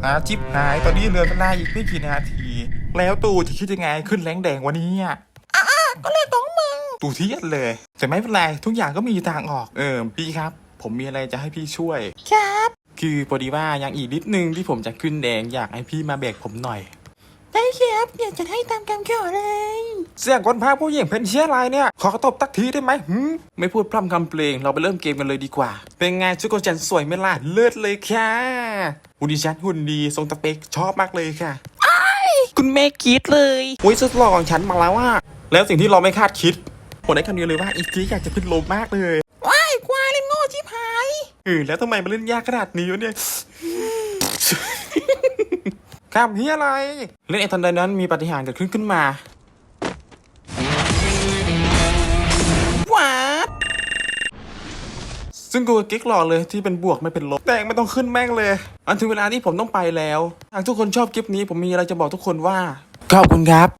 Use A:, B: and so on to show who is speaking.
A: จิบหายตอนนี้เหลือเวลาอีกไม่กี่นาทีแล้วตู่จะคิดยังไงขึ้นแรงแดงวันนี้ก็เลยต้องมึงตู่เทียดเลยแต่ไม่เป็นไรทุกอย่างก็มีทางออกพี่ครับผมมีอะไรจะให้พี่ช่วย
B: ครับ
A: คือพอดีว่ายังอีกนิดนึงที่ผมจะขึ้นแดงอยากให้พี่มาแบกผมหน่อย
B: ได้ครับอยากจะให้ตามคำขอเลย
A: เสียงคนพากผู้หญิงเป็นเชี่ยอะไรเนี่ยขอตบตักทีได้ไหมไม่พูดพร่ำคำเพลงเราไปเริ่มเกมกันเลยดีกว่าเป็นไงชุดของฉันสวยไหมล่ะเลิศเลยค่ะหุ่นดิฉันหุ่นดีทรงตะเปกชอบมากเลยค่ะ
B: คุณแม่คิดเลย
A: สุดหล่อของฉันมาแล้วว่าแล้วสิ่งที่เราไม่คาดคิดผมได้คำเดียวเลยว่าอีกทีอยากจะขึ้นลมมากเลย
B: ว้ายควายเล่นโง่ชิบหาย
A: แล้วทำไมมาเล่นยากขนาดนี้วะเนี่ยข้ามเฮียอะไรเล่นไอ้ทันใดนั้นมีปาฏิหาริย์เกิดขึ้นมา
B: ว้า
A: ซึ่งกูกิ๊กหล่อเลยที่เป็นบวกไม่เป็นลบแต่ไม่ต้องขึ้นแม่งเลยอันถึงเวลาที่ผมต้องไปแล้วหากทุกคนชอบคลิปนี้ผมมีอะไรจะบอกทุกคนว่าขอบคุณครับ